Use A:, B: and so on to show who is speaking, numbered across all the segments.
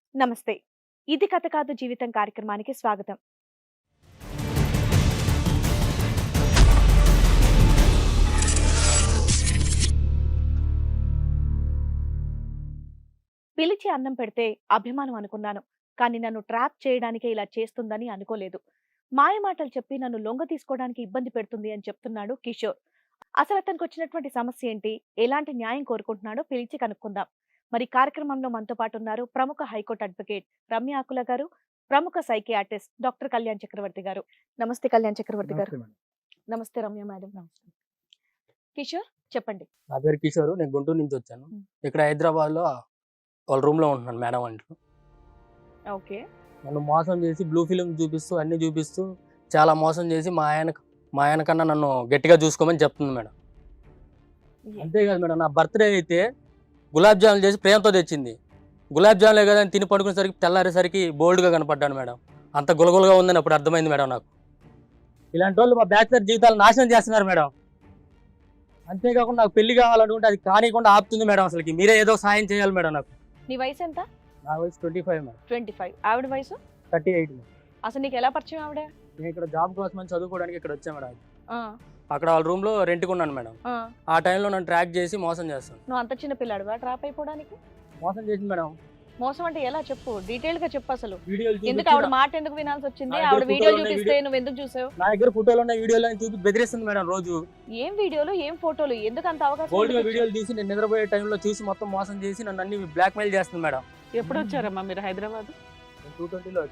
A: నమస్తే. ఇది కథ కాదు జీవితం కార్యక్రమానికి స్వాగతం. పిలిచి అన్నం పెడితే అభిమానం అనుకున్నాను. కానీ నన్ను ట్రాప్ చేయడానికే ఇలా చేస్తుందని అనుకోలేదు. మాయ మాటలు చెప్పి నన్ను లొంగ తీసుకోవడానికి ఇబ్బంది పెడుతుంది అని చెప్తున్నాడు కిషోర్. అసలు అతనికి వచ్చినటువంటి సమస్య ఏంటి? ఎలాంటి న్యాయం కోరుకుంటున్నాడో పిలిచి కనుక్కుందాం. మరి కార్యక్రమంలో మనతో పాటు ఉన్నారు ప్రముఖ హైకోర్టు అడ్వకేట్ రమ్య ఆకుల గారు, ప్రముఖ సైకియాట్రిస్ట్ డాక్టర్ కళ్యాణ్ చక్రవర్తి గారు. నమస్తే కళ్యాణ్ చక్రవర్తి గారు.
B: నమస్తే మేడం.
A: నమస్తే రమ్య మేడం. నమస్తే కిషోర్, చెప్పండి.
C: నా పేరు కిషోర్. నేను గుంటూరు నుంచి వచ్చాను. ఇక్కడ హైదరాబాద్ లో వాళ్ళ రూమ్ లో ఉంటున్నాను మేడం అంటూ.
A: ఓకే.
C: నన్ను మోసం చేసి బ్లూ ఫిలిం చూపిస్తూ అన్ని చూపిస్తూ చాలా మోసం చేసి మా ఆయన కన్నా నన్ను గట్టిగా చూసుకోమని చెప్తుంది మేడం. అంతేకాదు మేడం, నా బర్త్డే అయితే గులాబ్ జాములు చేసి ప్రేమతో తెచ్చింది. గులాబ్ జాములే కదా అని తిని పడుకునేసరికి తెల్లారేసరికి బోల్డ్గా కనపడ్డాను మేడం. అంత గులగులగా ఉందని అప్పుడు అర్థమైంది మేడం నాకు. ఇలాంటి వాళ్ళు మా బ్యాచిలర్ జీవితాలు నాశనం చేస్తున్నారు మేడం. అంతేకాకుండా నాకు పెళ్లి కావాలనుకుంటే అది కానికుండా ఆపుతుంది మేడం. అసలుకి మీరే ఏదో సాయం చేయాలి మేడం నాకు.
A: నీ వయసు ఎంత?
C: నా వయసు 25 మేడం.
A: 25. ఆవిడ వయసు
C: 38 మేడం.
A: అసలు నీకు ఎలా పరిచయం ఆవిడ?
C: నేను ఇక్కడ జాబ్ కోసం చదువుకోవడానికి ఇక్కడ వచ్చా మేడం.
A: ఆ,
C: అక్కడ వాళ్ళ రూమ్ లో రెంట్కి ఉన్నాను మేడం.
A: ఆ.
C: ఆ టైంలో నన్ను ట్రాక్ చేసి మోసం చేస్తాను.
A: నువ్వు అంత చిన్న పిల్లాడువా ట్రాప్ అయిపోవడానికి?
C: మోసం చేసింది మేడం.
A: మోసం అంటే ఎలా చెప్పు, డీటెయిల్ గా చెప్పు. అసలు
C: వీడియోలు
A: ఎందుకు ఆవిడ మాట ఎందుకు వినాల్సి వచ్చింది?
C: నా దగ్గర
A: ఆవిడ వీడియో
C: ఫోటోలు ఉన్నాయి,
A: చూపిస్తే నువ్వు ఎందుకు చూసావు?
C: నా దగ్గర ఫోటోలు ఉన్న వీడియోలు చూపి బెదిరిస్తుంది మేడం. రోజు
A: ఏం వీడియోలు ఏం ఫోటోలు, ఎందుకు అంత అవకాశం?
C: గోల్డ్
A: ఎందుకు
C: వీడియోలు తీసి నేను నిద్రపోయే టైంలో చూసి మొత్తం మోసం చేసి నన్ను అన్ని బ్లాక్ మెయిల్ చేస్తుంది మేడం.
D: ఎప్పుడు వచ్చారమ్మా మీరు హైదరాబాద్?
C: 2020లో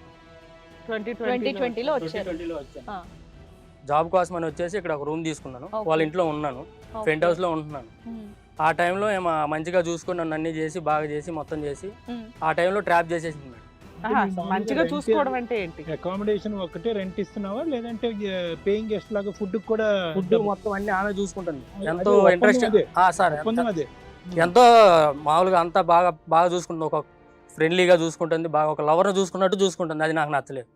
A: 2020 లో వచ్చారు.
C: 2020లో వచ్చాను.
A: ఆ.
C: జాబ్ కోసం అని వచ్చేసి ఇక్కడ ఒక రూమ్ తీసుకున్నాను.
A: Okay.
C: వాళ్ళ ఇంట్లో ఉన్నాను,
A: Okay.
C: ఫ్రెంట్ హౌస్ లో ఉంటున్నాను.
A: ఉమ్,
C: ఆ టైంలో ఏమో మంచిగా చూసుకొని నన్ను అన్ని చేసి బాగా చేసి మొత్తం చేసి
A: ఉమ్.
C: ఆ టైంలో ట్రాప్ చేసేసింది మేడం.
D: ఆహా, మంచిగా చూసుకోవడం అంటే ఏంటి?
B: అకామిడేషన్ ఒకటే రెంట్ ఇస్తున్నావా లేదంటే పేయింగ్ గెస్ట్ లాగా ఫుడ్ కూడా?
C: ఫుడ్ మొత్తం అన్ని ఆమె చూసుకుంటుంది.
B: అదే,
C: ఎంతో
B: ఒప్పందం
C: ఇంట్రెస్ట్
B: అదే.
C: సార్
B: ఒప్పందం అదే.
C: ఎంతో మామూలుగా అంతా బాగా చూసుకుంటుంది. ఒక ఫ్రెండ్లీగా చూసుకుంటుంది, బాగా ఒక లవర్ని చూసుకున్నట్టు చూసుకుంటుంది. అది నాకు నచ్చలేదు.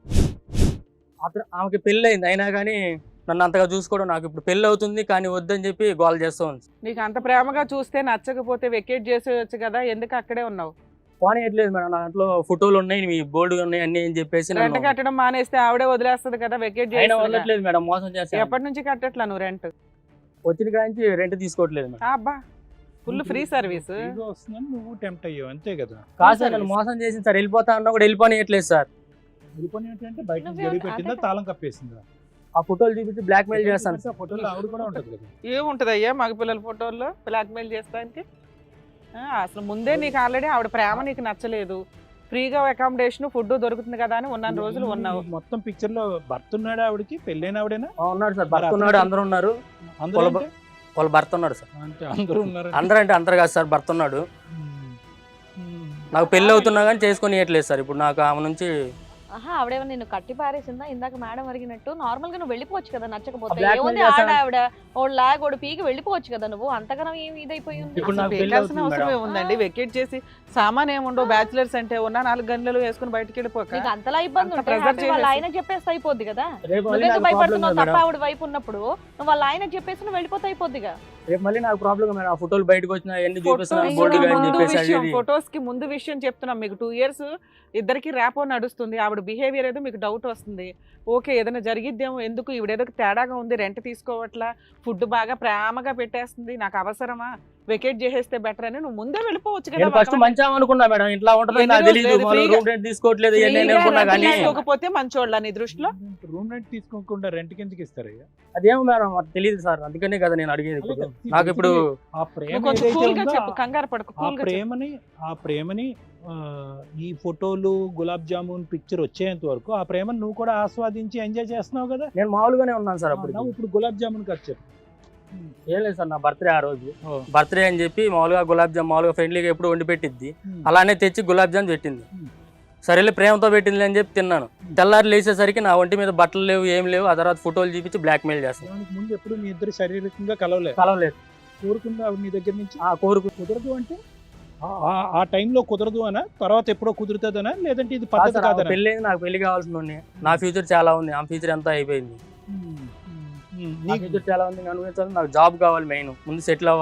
C: ఆమెకి పెళ్ళి అయింది, అయినా కానీ నన్ను అంతగా చూసుకోవడం నాకు ఇప్పుడు పెళ్ళి అవుతుంది కానీ వద్దని చెప్పి గోల్ చేస్తూ ఉంది.
D: నీకు అంత ప్రేమగా చూస్తే నచ్చకపోతే వెకేట్ చేసేయచ్చు కదా, ఎందుకు అక్కడే ఉన్నావు?
C: పోనీయట్లేదు మేడం. నా దాంట్లో ఫోటోలు ఉన్నాయి, మీ బోర్డు ఉన్నాయి అన్ని అని చెప్పేసి
D: రెంట్ కట్టడం మానేస్తే ఆవిడే వదిలేస్తుంది కదా, వెకేట్
C: అయినా
D: చేసి.
C: వదలట్లేదు మేడం. మోసం చేస్తాను.
D: ఎప్పటి నుంచి కట్టట్లా నువ్వు రెంట్?
C: వచ్చిన కాంచి రెంట్ తీసుకోవట్లేదు మేడం.
D: అబ్బా, ఫుల్ ఫ్రీ సర్వీస్.
B: ఫ్రీగా వస్తుందని నువ్వు టెంప్ట్ అయ్యావు అంతే కదా.
C: కాదు సార్, నన్ను మోసం చేసింది సార్. వెళ్ళిపోతా అన్నా కూడా వెళ్ళిపోనియట్లేదు సార్.
B: వెళ్ళిపోయి ఏంటంటే బయట నుంచి
A: నువ్వే
B: గడి పెట్టిందా
A: అదే
B: తాళం కప్పేసిందా?
C: ఆ ఫోటోలు చూపించి బ్లాక్ మెయిల్ చేస్తాను సార్.
B: ఆ ఫోటోలో ఆవిడ కూడా ఉంటది కదా.
D: ఏముంటది అయ్యా మగ పిల్లల ఫోటోల్లో బ్లాక్మెయిల్ చేస్తానికి? అసలు ముందే నీకు ఆల్రెడీ ఆవిడ ప్రేమ నీకు నచ్చలేదు, ఫ్రీగా అకామిడేషన్ ఫుడ్ దొరుకుతుంది కదా అని ఉన్న రోజులు ఉన్నావు.
B: మొత్తం పిక్చర్ లో భర్త ఉన్నాడు ఆవిడకి, పెళ్ళైన ఆవిడేనా?
C: ఉన్నాడు సార్, భర్త ఉన్నాడు, అందరూ ఉన్నారు.
B: అందరూ అంటే?
C: వాళ్ళ భర్త ఉన్నాడు సార్.
B: అంటే అందరూ ఉన్నారు.
C: అందరూ అంటే అందరు కాదు సార్, భర్త ఉన్నాడు. నాకు పెళ్లి అవుతున్నా కానీ చేసుకొని ఇవ్వట్లేదు సార్. ఇప్పుడు నాకు ఆమె నుంచి
A: ఆహా, ఆవిడేమో నిన్ను కట్టి పారేసిందా? ఇందాక మేడం అడిగినట్టు నార్మల్ గా నువ్వు వెళ్ళిపోవచ్చు కదా నచ్చకపోతే.
C: blackmail
A: ఏముంది
C: చేస్తాను.
A: ఆవిడ ఓడి లాగ్ ఓడి పీకి వెళ్ళిపోవచ్చు కదా నువ్వు. అంతగానం ఏమి ఇదైపోయి ఉంది?
C: ఇప్పుడు నాకు పెళ్లి
D: పెట్టాల్సిన
C: అవుతుంది
D: అవసరం
C: మేడం.
D: ఏముందండి? వెకేట్ చేసి సామాన్ ఏముండవు, బ్యాచులర్స్ అంటే ఉన్న 4 గంటలు వేసుకుని బయటకి వెళ్ళిపోక.
A: నీకు అంతలా ఇబ్బంది
D: అంత
A: ఉంటే
D: pressure
A: హ్యాపీ వాళ్ళ
D: చేసేసి.
A: ఆయన చెప్పేస్తే అయిపోద్ది కదా.
C: రేపు మళ్ళీ
A: నువ్వెందుకు
C: నాకు ప్రాబ్లం
A: భయపడుతున్నావు? తప్ప
C: మేడం.
A: ఆవిడ వైపు ఉన్నప్పుడు నువ్వు వాళ్ళ ఆయన చెప్పేసి నువ్వు వెళ్ళిపోతే అయిపోద్దిగా.
C: రేపు మళ్ళీ నాకు ప్రాబ్లం మేడం. ఆ ఫోటోలు బయటకు వచ్చినా అన్ని చూపిస్తున్నా
A: ఫోటోస్
C: బోర్డు అని
A: ముందు
C: చెప్పేసి అది ఇది.
D: ఫొటోస్ కి ముందు విషయం చెప్తున్నాం. మీకు 2 years ఇద్దరికి ర్యాపో నడుస్తుంది. ఆవిడ బిహేవియర్ ఏదో మీకు డౌట్ వస్తుంది. ఓకే, ఏదైనా జరిగిద్దేమో, ఎందుకు ఈవిడేదో తేడాగా ఉంది, రెంట్ తీసుకోవట్లా, ఫుడ్ బాగా ప్రేమగా పెట్టేస్తుంది, నాకు అవసరమా, వెకేట్ చేసేస్తే బెటర్ అని నువ్వు ముందే వెళ్ళిపోవచ్చు కదా.
C: నేను ఫస్ట్ మంచిగా అనుకున్నా మేడం. ఇట్లా ఉంటుందని నాకు
D: ఎన్ని
C: తెలియదు.
D: రోజులు
C: రూమ్ రెంట్ తీసుకోవట్లేదు ఇవన్నీ నేను అనుకున్నా కానీ
D: తీసుకోకపోతే మంచోళ్ళ నీ దృష్టిలో?
B: రూమ్ రెంట్ తీసుకోకుండా రెంట్ కిందకి ఇస్తారయ్యా?
C: అదేమో మేడం నాకు తెలియదు సార్. అందుకనే కదా నేను అడిగేది. ఇప్పుడు నాకు ఇప్పుడు
B: ఆ ప్రేమ
D: నువ్వు కొంచెం
B: ఏదైతే
D: కూల్ గా
B: ఉందో,
D: చెప్పు, కంగారు పడకు,
B: ఆ
D: కూల్ గా చెప్పు.
B: ప్రేమని ఈ ఫోటోలు గులాబ్ జామున్ పిక్చర్ వచ్చేంత వరకు ఆ ప్రేమను నువ్వు కూడా ఆస్వాదించి ఎంజాయ్ చేస్తున్నావు కదా.
C: నేను మామూలుగానే ఉన్నాను సార్. అప్పుడు
B: ఇప్పుడు గులాబ్ జామున్ ఖర్చు చెప్పు.
C: ఏం లేదు సార్, నా బర్త్డే ఆ రోజు.
B: ఓ.
C: బర్త్డే అని చెప్పి మామూలుగా గులాబ్ జామ్ మామూలుగా ఫ్రెండ్లీగా ఎప్పుడు వండి పెట్టిద్ది. అలానే తెచ్చి గులాబ్ జామ్ పెట్టింది. సరేలే ప్రేమతో పెట్టింది అని చెప్పి తిన్నాను. తెల్లారి లేచేసరికి నా ఒంటి మీద బట్టలు లేవు, ఏం లేవు. ఆ తర్వాత ఫోటోలు చూపించి బ్లాక్ మెయిల్ చేస్తాను.
B: దానికి ముందు ఎప్పుడు మీ ఇద్దరు శారీరకంగా కలవలేదు.
C: కలవలేదు.
B: కోరుకుందా ఆవిడ నీ దగ్గర నుంచి?
C: ఆ కోరుకు
B: కుదరదు అంటే ఆ టైంలో కుదరదు అనా, తర్వాత ఎప్పుడో కుదురుతుందనా, లేదంటే ఇది పద్ధతి కాదనా?
C: పెళ్ళి నాకు పెళ్లి కావాల్సిన నా ఫ్యూచర్ చాలా ఉంది. ఆ ఫ్యూచర్ అంతా అయిపోయింది. నా
B: నీకు
C: ఫ్యూచర్ చాలా ఉంది అనుభవించాలి. నాకు జాబ్ కావాలి, మెయిన్ ముందు సెటిల్ అవ్వాలి.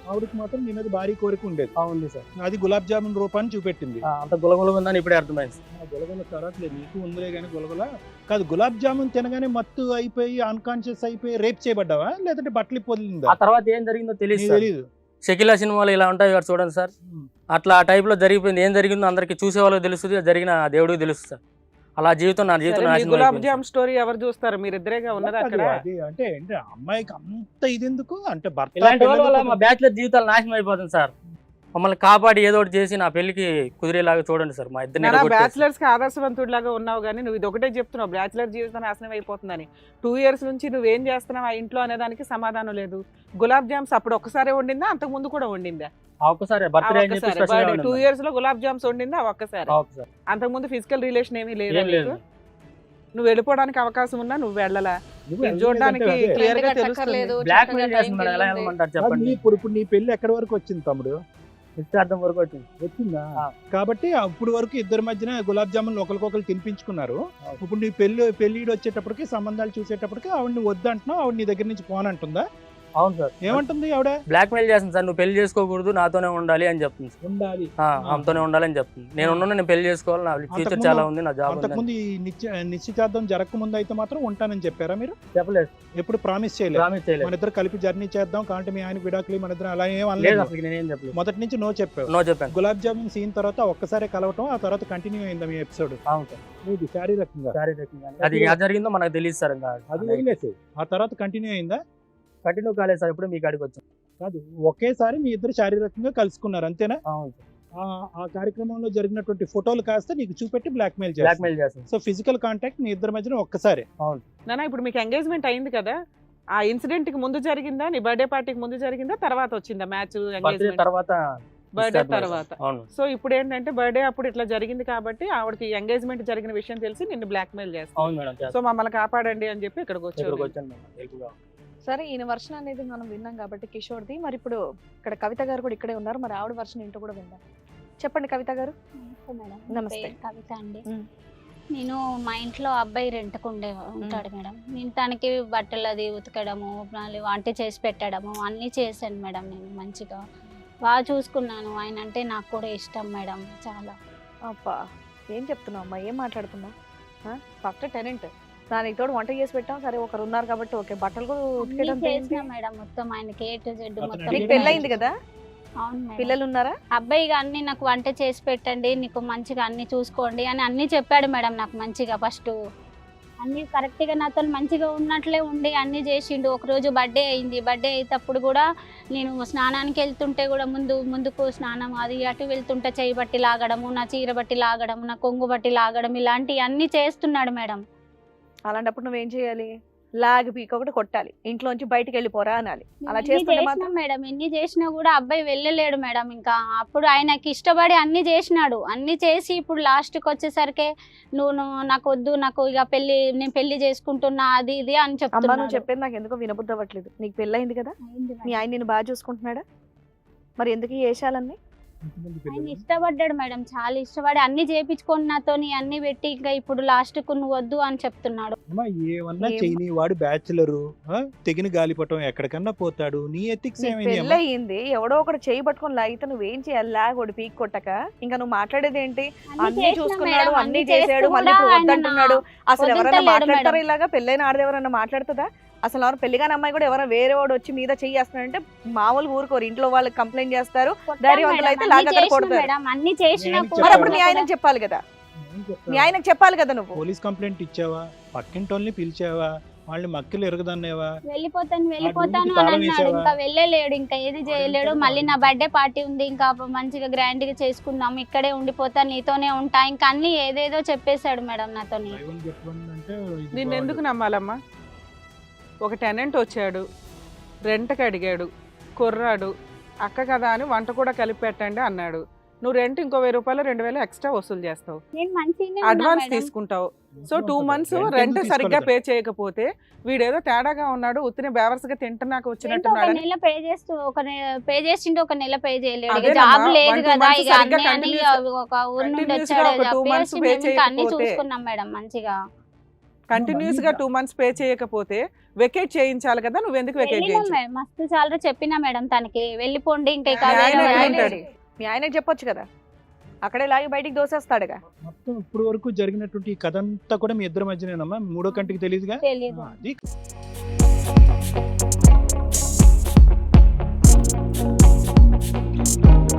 B: ఆవిడకి మాత్రం నీ మీద భారీ కోరిక ఉండేది.
C: ఉంది సార్.
B: అది గులాబ్ జామున్ రూపాన్ని చూపెట్టింది.
C: అంత గులగుల ఉందని ఇప్పుడే అర్థమైంది సార్.
B: గులగుల తర్వాత లేదు, నీకు ఉందిలే కానీ గులగుల కాదు. గులాబ్ జామున్ తినగానే మత్తు అయిపోయి అన్కాన్షియస్ అయిపోయి రేప్ చేయబడ్డావా లేదంటే బట్టలు పొదిలిందా?
C: ఆ తర్వాత ఏం జరిగిందో తెలియదు సార్.
B: తెలియదు.
C: షకీలా సినిమాలు ఇలా ఉంటాయి కదా చూడండి సార్, అట్లా ఆ టైప్ లో జరిగిపోయింది. ఏం జరిగిందో అందరికి చూసే వాళ్ళకి తెలుస్తుంది, జరిగిన దేవుడికి తెలుస్తుంది సార్. అలా జీవితం నా జీవితం
D: సరే, మీ
C: నాశనం
D: గులాబ్
C: అయిపోయింది
D: జామ్
C: సార్.
D: స్టోరీ ఎవరు చూస్తారు? మీరు ఇద్దరేగా ఉన్నది అక్కడ.
B: అది అంటే ఏంటి అమ్మాయికి అంత ఇది ఎందుకు అంటే భర్త
C: ఇలాంటి వాళ్ళ
B: పిల్లలు
C: వల్ల మా బ్యాచులర్ జీవితాలు నాశనం అయిపోతుంది సార్. మమ్మల్ని కాపాడి ఏదో ఒకటి చేసి నా పెళ్లికి కుదిరేలాగా చూడండి సార్. మా ఇద్దరు
D: బ్యాచులర్స్ కి ఆదర్శవంతుడిలాగా ఉన్నావు కానీ నువ్వు ఇది ఒకటే చెప్తున్నావు, బ్యాచులర్ జీవితం నాశనం అయిపోతుందని. 2 years నుంచి నువ్వేం చేస్తున్నావు ఆ ఇంట్లో అనే దానికి సమాధానం లేదు. గులాబ్ జామ్స్ అప్పుడు ఒక్కసారే వండిందా, అంతకు ముందు కూడా వండిందా?
C: ఒక్కసారి బర్త్డే అని చెప్పి స్పెషల్ గా
D: 2 years లో గులాబ్ జామ్స్ వండిందా ఒక్కసారి?
C: ఒక్కసారి.
D: అంతకు ముందు ఫిజికల్ రిలేషన్ ఏమీ లేదా
C: ఏం లేదు.
D: నీకు? నువ్వు వెళ్ళిపోవడానికి అవకాశం ఉన్నా నువ్వు వెళ్ళలా.
B: నువ్వు
D: ఇది చూడడానికి
B: అదే.
D: క్లియర్ గా
E: వెంటనే
D: తెలుస్తుంది.
E: కట్టక్కర్లేదు,
C: బ్లాక్
E: చక్కగా
C: మెయిల్
E: టైంకి
C: చేస్తుంది మేడం, ఎలా
E: వెళ్ళండి.
C: వెళ్ళమంటారు
B: కాదు,
C: చెప్పండి.
B: ఇప్పుడు నీ పెళ్లి ఎక్కడి వరకు వచ్చింది తమ్ముడు?
C: నిశ్చితార్థం వరకు వచ్చింది.
B: వచ్చిందా?
C: ఆ.
B: కాబట్టి అప్పుడు వరకు ఇద్దరి మధ్యన గులాబ్ జామున్ ఒకరికొకరు తినిపించుకున్నారు. ఇప్పుడు నీ పెళ్లిడు వచ్చేటప్పటికి సంబంధాలు చూసేటప్పటికి ఆవిడని వద్దంటున్నావు, ఆవిడ నీ దగ్గర నుంచి పోనంటుందా?
C: అవును సార్.
B: ఏమంటుంది ఆవిడ?
C: బ్లాక్ మెయిల్ చేస్తుంది సార్, నువ్వు పెళ్లి చేసుకోకూడదు, నాతోనే ఉండాలి అని చెప్తుంది సార్.
B: ఉండాలి.
C: ఆమెతోనే ఉండాలని చెప్తుంది. నేను ఉన్నాను, నేను పెళ్లి చేసుకోవాలి, నా ఫ్యూచర్
B: అంతకుముందు-
C: చాలా ఉంది, నా జాబ్ ఉంది.
B: అంతకుముందు ఈ నిశ్చితార్థం జరగకముందు అయితే మాత్రం ఉంటానని చెప్పారా మీరు?
C: చెప్పలేదు,
B: ఎప్పుడు ప్రామిస్ చేయలేదు?
C: ప్రామిస్ చేయలేదు.
B: మన ఇద్దరు కలిపి జర్నీ చేద్దాం కాబట్టి మీ ఆయన విడాకులు మన ఇద్దరు అలా ఏం
C: లేదు
B: అనలేదు.
C: అసలు నేనేం చెప్పలేదు.
B: మొదటి నుంచి నో చెప్పావు.
C: నో చెప్పాను.
B: గులాబ్ జామున్ సీన్ తర్వాత ఒక్కసారి కలవటం, ఆ తర్వాత కంటిన్యూ అయిందా మీ ఎపిసోడ్?
C: అవును సార్.
B: ఇది శారీరకంగా
C: శారీరకంగా అది ఎలా జరిగిందో మనకు తెలియదు సార్. ఇంకా
B: అది వదిలేసి ఆ తర్వాత కంటిన్యూ అయిందా?
C: కంటిన్యూ కాలేదు సార్. ఇప్పుడు మీ కాడికి వచ్చాను.
B: కాదు, ఒకేసారి మీ ఇద్దరు శారీరకంగా కలుసుకున్నారు అంతేనా?
C: అవును సార్.
B: ఆ కార్యక్రమంలో జరిగినటువంటి ఫోటోలు కాస్త నీకు చూపెట్టి బ్లాక్ మెయిల్
C: బ్లాక్ మెయిల్ చేస్తాను.
B: సో ఫిజికల్ కాంటాక్ట్ మీ ఇద్దరి మధ్యన ఒక్కసారి.
D: నానా ఇప్పుడు మీకు ఎంగేజ్మెంట్ అయింది కదా, ఆ ఇన్సిడెంట్ కి ముందు జరిగిందా, నీ బర్త్డే పార్టీకి ముందు జరిగిందా, తర్వాత వచ్చిందా మ్యాచ్
C: బర్త్డే
D: ఎంగేజ్మెంట్?
C: తర్వాత
D: బర్త్డే తర్వాత.
C: అవును.
D: సో ఇప్పుడు ఏంటంటే బర్త్డే అప్పుడు ఇట్లా జరిగింది కాబట్టి ఆవిడకి ఎంగేజ్మెంట్ జరిగిన విషయం తెలిసి నిన్ను బ్లాక్ మెయిల్ చేస్తాను.
C: అవును మేడం.
D: సో మమ్మల్ని కాపాడండి అని చెప్పి ఇక్కడికి
C: ఇక్కడికి
D: వచ్చాను.
C: వచ్చాను మేడం. హెల్ప్గా.
A: సరే, ఈయన వర్షన్ అనేది మనం విన్నాం కాబట్టి కిషోర్ది. మరి ఇప్పుడు ఇక్కడ కవిత గారు కూడా ఇక్కడే ఉన్నారు, మరి ఆవిడ వర్షన్ ఏంటో కూడా విందాం. చెప్పండి కవిత గారు.
F: నమస్తే మేడం.
A: నమస్తే.
F: పేరు కవిత అండి.
A: మ్.
F: నేను మా ఇంట్లో అబ్బాయి రెంట్కు ఉంటాడు మేడం. నేను తనకి బట్టలు అది ఉతకడము, మళ్ళీ వంట చేసి పెట్టడము అన్నీ చేశాను మేడం. నేను మంచిగా బాగా చూసుకున్నాను. ఆయన అంటే నాకు కూడా ఇష్టం మేడం చాలా.
A: అబ్బా, ఏం చెప్తున్నావు అమ్మా, ఏం మాట్లాడుతున్నావు? ఫస్ట్ టెనెంట్ దానికి తోడు వంట చేసి పెట్టాం, సరే ఒకరు ఉన్నారు కాబట్టి ఓకే, బట్టలు కూడా
F: అన్నీ
A: ఉతికేయడం
F: చేసిన
A: ఏంటి?
F: మేడం మొత్తం ఆయనకి A to Z
B: అతను
F: మొత్తం.
B: అడిగిన
A: నీకు పెళ్ళయింది కదా,
F: అవును మేడం.
A: పిల్లలు ఉన్నారా?
F: అబ్బాయిగా అన్ని నాకు వంట చేసి పెట్టండి, నీకు మంచిగా అన్ని చూసుకోండి అని అన్ని చెప్పాడు మేడం. నాకు మంచిగా ఫస్ట్ అన్ని కరెక్ట్గా నాతో మంచిగా ఉన్నట్లే ఉండి అన్ని చేసిండు. ఒకరోజు బర్త్డే అయింది. బర్త్డే అయ్యేటప్పుడు కూడా నేను స్నానానికి వెళ్తుంటే కూడా ముందుకు స్నానం అది అటు వెళ్తుంటే చేయి బట్టి లాగడము, నా చీర బట్టి లాగడము, నా కొంగు బట్టి లాగడం ఇలాంటివి అన్నీ చేస్తున్నాడు మేడం.
A: అలాంటప్పుడు నువ్వేం చేయాలి? లాగ్ పీక్ ఒకటి కొట్టాలి, ఇంట్లోంచి బయటికి వెళ్ళిపోరా అనాలి. అలా
F: ఎన్ని
A: చేస్తుంటే
F: చేసినా
A: మాత్రం
F: మేడం, ఎన్ని చేసినా కూడా అబ్బాయి వెళ్ళలేడు మేడం. ఇంకా అప్పుడు ఆయనకి ఇష్టపడి అన్ని చేసినాడు. అన్ని చేసి ఇప్పుడు లాస్ట్కి వచ్చేసరికి నాకు వద్దు, నాకు ఇక నేను పెళ్లి చేసుకుంటున్నా అది ఇది అని
A: అమ్మ నువ్వు
F: చెప్తున్నాడు.
A: చెప్పేది నాకు ఎందుకో వినబుద్ధి అవ్వట్లేదు. నీకు పెళ్ళయింది కదా,
F: అయింది
A: మీ
F: మేడం.
A: ఆయన నిన్ను బాగా చూసుకుంటున్నాడా? మరి ఎందుకు ఈ వేషాలన్నీ?
F: ఆయన ఇష్టపడ్డాడు మేడం, చాలా ఇష్టపడి అన్ని చేపించుకొని నాతోని అన్ని పెట్టి ఇంకా ఇప్పుడు లాస్ట్కు నువ్వు వద్దు అని చెప్తున్నాడు.
B: ఏమన్నా
A: ఏం-
B: చేయని వాడు బ్యాచులరు, తెగిన గాలిపటం ఎక్కడికన్నా పోతాడు. నీ ఎథిక్స్
A: నీకు
B: ఏమైంది అమ్మా?
A: పెళ్ళయింది, ఎవడో ఒకటి చేయి పట్టుకొని లాగితే నువ్వేం చేయాలి? లాగ్ ఒకటి పీక్ కొట్టక ఇంకా నువ్వు మాట్లాడేది ఏంటి? అన్ని
F: చేసినా
A: చూసుకున్నాడు,
F: మేడం,
A: అన్ని
F: చేస్తూ
A: చేసాడు, మళ్ళీ
F: కూడా
A: ఇప్పుడు
F: ఆయన
A: వద్దంటున్నాడు. అసలు ఎవరైనా
F: వదులుతలేడు
A: మాట్లాడతారా
F: మేడం.
A: ఇలాగా? పెళ్ళైన ఆడది ఎవరైనా మాట్లాడుతుందా? అసలు ఎవరు పెళ్లిగాని అమ్మాయి కూడా ఎవరైనా వేరే వాడు వచ్చి మీద చెయ్యి చేస్తున్నాడంటే మామూలు ఊరుకోరు, ఇంట్లో వాళ్ళకి కంప్లైంట్ చేస్తారు.
F: కొట్టాం
A: ధైర్యవంతులు
F: మేడం,
A: అయితే
F: అన్ని
A: లాగా అక్కడ
F: చేసినా
A: కొడతారు.
F: మేడం, అన్ని చేసినా
B: నేను
F: కూడా
A: మరి అప్పుడు మీ
B: చెప్పాలి.
A: ఆయనకు చెప్పాలి కదా,
B: ఏం చెప్తావు?
A: మీ ఆయనకు చెప్పాలి కదా నువ్వు.
B: పోలీస్ కంప్లైంట్ ఇచ్చావా? పక్కింటోళ్ళని పిలిచావా? వాళ్ళని మక్కలు ఎరగదన్నేవా?
F: వెళ్ళిపోతాను
B: రూమ్కి
F: అని
B: తాళం
F: అన్నాడు.
B: వేసావా?
F: ఇంకా వెళ్ళలేడు, ఇంకా ఏది చేయలేడు. మళ్ళీ నా బర్త్డే పార్టీ ఉంది, ఇంకా మంచిగా గ్రాండ్ గా చేసుకుందాం, ఇక్కడే ఉండిపోతా, నీతోనే ఉంటా, ఇంకా అన్ని ఏదేదో చెప్పేశాడు మేడం నాతోని.
B: దైవం చెప్పండి అంటే ఇది
D: నిన్ను ఎందుకు
B: బాగుంది.
D: నమ్మాలమ్మా? ఒక టెనెంట్ వచ్చాడు, రెంట్కి అడిగాడు, కుర్రాడు, అక్క కదా అని వంట కూడా కలిపి పెట్టండి అన్నాడు. నువ్వు రెంట్ ఇంకో 1000 రూపాయలు 2000 ఎక్స్ట్రా వసూలు చేస్తావు,
F: నేను మంచిగానే ఉన్నా
D: అడ్వాన్స్
F: మేడం.
D: తీసుకుంటావు. సో 2
B: ఉంటుంది.
D: months
B: Rent
D: రెంట్
B: ఎందుకు
D: సరిగ్గా
B: తీసుకోలేదు?
D: పే చేయకపోతే వీడేదో తేడాగా ఉన్నాడు, ఉత్తిని బేవర్స్గా తింటున్నాక
F: రెంట్ ఒక
D: వచ్చినట్టున్నాడని
F: నెల పే చేసిండు, ఒక నెల పే చేయలేడు. ఇక
D: అదేనమ్మా,
F: జాబ్ లేదు
D: 1-2
F: కదా,
D: months
F: ఇక
D: సరిగ్గా
F: అన్ని
D: continuous-
F: ఒక ఊరు నుండి
D: continuous గా
F: వచ్చాడు,
D: ఒక 2 months
F: చెప్పేసి
D: pay
F: మేము ఇంకా అన్ని
D: చేయకపోతే-
F: చూసుకున్నాం మేడం మంచిగా.
D: కంటిన్యూస్ గా 2 months పే చేయకపోతే వెకేట్ చేయించాలి కదా, నువ్వు ఎందుకు వెకేట్
F: వెళ్ళినాం
D: చేయించు?
F: మేడం, మస్తు చాలా చెప్పినా మేడం తనకి వెళ్ళిపోండి ఇంకా ఇక
D: మీ ఆయన
F: వేరే
D: ఎక్కడ
F: వాళ్ళు-
D: ఉంటాడు?
A: మీ ఆయనకి చెప్పొచ్చు కదా, అక్కడే లాగి బయటికి దోసేస్తాడుగా.
B: మొత్తం ఇప్పుడు వరకు జరిగినటువంటి ఈ కథ అంతా కూడా మీ ఇద్దరి మధ్యనేనమ్మా, మూడో కంటికి తెలియదుగా.
F: తెలీదు.
B: అది